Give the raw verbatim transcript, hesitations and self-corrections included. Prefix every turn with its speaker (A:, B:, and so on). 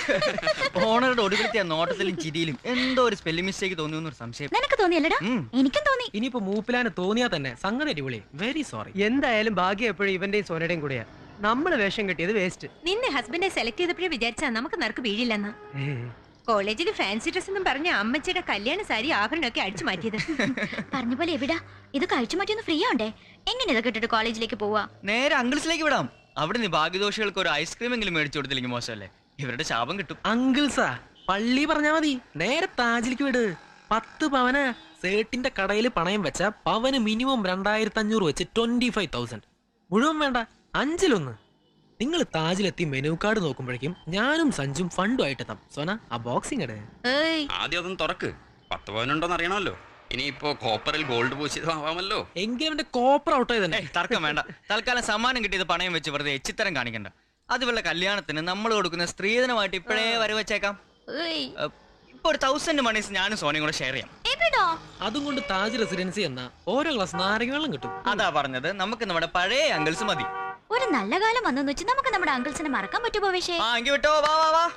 A: ഓണറുടെ ഒടുവിലത്തെ നോട്ടത്തിലും ചിരിയിലും എന്തോ ഒരു സ്പെല്ലിംഗ് മിസ്റ്റേക്ക് തോന്നിയെന്നൊരു സംശയം.
B: നിനക്ക് തോന്നിയല്ലടാ? എനിക്കും തോന്നി.
C: ഇനിയിപ്പോ മൂപ്പിലാന് തോന്നിയാ തന്നെ സംഗതി അടിപൊളി. Very sorry.
D: എന്തായാലും ഭാഗ്യം എപ്പോഴും ഇവന്റെയും സോനയുടെയും കൂടെയാ. നമ്മള് വേഷം കെട്ടിയത് വേസ്റ്റ്.
E: നിന്നെ ഹസ്ബൻഡെ സെലക്ട് ചെയ്തപ്പോഴേ വിചാരിച്ചാ നമുക്ക് നറുക്ക് വീഴില്ലെന്ന്. കോളേജിൽ ഫാൻസി ഡ്രസ് എന്നും പറഞ്ഞ അമ്മച്ചിയുടെ കല്യാണ സാരി ആഭരണമൊക്കെ അടിച്ചു മാറ്റിയത്.
B: പറഞ്ഞ പോലെ എവിടാ ഇത് കഴിച്ചു മാറ്റിയൊന്ന് ഫ്രീ ആണ്ടേ? എങ്ങനെ ഇതൊക്കെ ഇട്ടിട്ട് കോളേജിലേക്ക് പോവാ?
A: നേരെ അങ്കിൾസിലേക്ക് വിടാം. അവിടെ നിന്ന് ഭാഗ്യദോഷികൾക്ക് ഒരു ഐസ്ക്രീം എങ്കിലും മേടിച്ചു കൊടുത്തില്ലെങ്കിൽ മോശമല്ലേ? ഇവരുടെ ശാപം കിട്ടും.
C: അങ്കിൾസാ പള്ളി പറഞ്ഞാ മതി, നേരെ താജിലേക്ക് വിട്. പത്ത് പവന് സേട്ടിന്റെ കടയിൽ പണയം വെച്ച പവന് മിനിമം രണ്ടായിരത്തി അഞ്ഞൂറ് വെച്ച് ട്വന്റി ഫൈവ് തൗസൻഡ്. മുഴുവൻ വേണ്ട, അഞ്ചിലൊന്ന്. നിങ്ങൾ താജിലെത്തി മെനു കാർഡ് നോക്കുമ്പോഴേക്കും ഞാനും സഞ്ജും ഫണ്ടും ആയിട്ടെത്താം. സോന ആ ബോക്സിംഗ് ഇട്.
F: ആദ്യം അതൊന്നും തുറക്ക്. പത്ത് പവനുണ്ടോന്ന് അറിയണമല്ലോ. ഇനിയിപ്പോ കോപ്പറിൽ ഗോൾഡ് പൂശിയതാവാമല്ലോ.
C: എങ്കിലും അവന്റെ കോപ്പർ ഔട്ട് ആയി തന്നെ.
A: തർക്കം വേണ്ട. തൽക്കാലം സമ്മാനം കിട്ടിയത് പണയം വെച്ച് വെറുതെ എച്ചിത്തരം കാണിക്കണ്ട. അതുപോലെ കല്യാണത്തിന് നമ്മൾ കൊടുക്കുന്ന സ്ത്രീധനമായിട്ട് ഇപ്പോഴേ വരവച്ചേക്കാം. ഇപ്പൊ ഒരു തൗസൻഡ് മണീസ് ഞാനും സോനയും കൂടെ ഷെയർ ചെയ്യാം.
C: അതും കൊണ്ട് താജ് റെസിഡൻസി എന്ന ഓരോ ഗ്ലാസ് നാരങ്ങ വെള്ളം കിട്ടും.
A: അതാ പറഞ്ഞത്, നമുക്ക് നമ്മുടെ പഴയ അങ്കിൾസ് മതി.
B: ഒരു നല്ല കാലം വന്നെന്ന് വെച്ച് നമുക്ക് നമ്മുടെ അങ്കിൾസിനെ മറക്കാൻ പറ്റുമോ?
A: ആ എങ്കിൽ വിട്ടോ, വാ വാ വാ.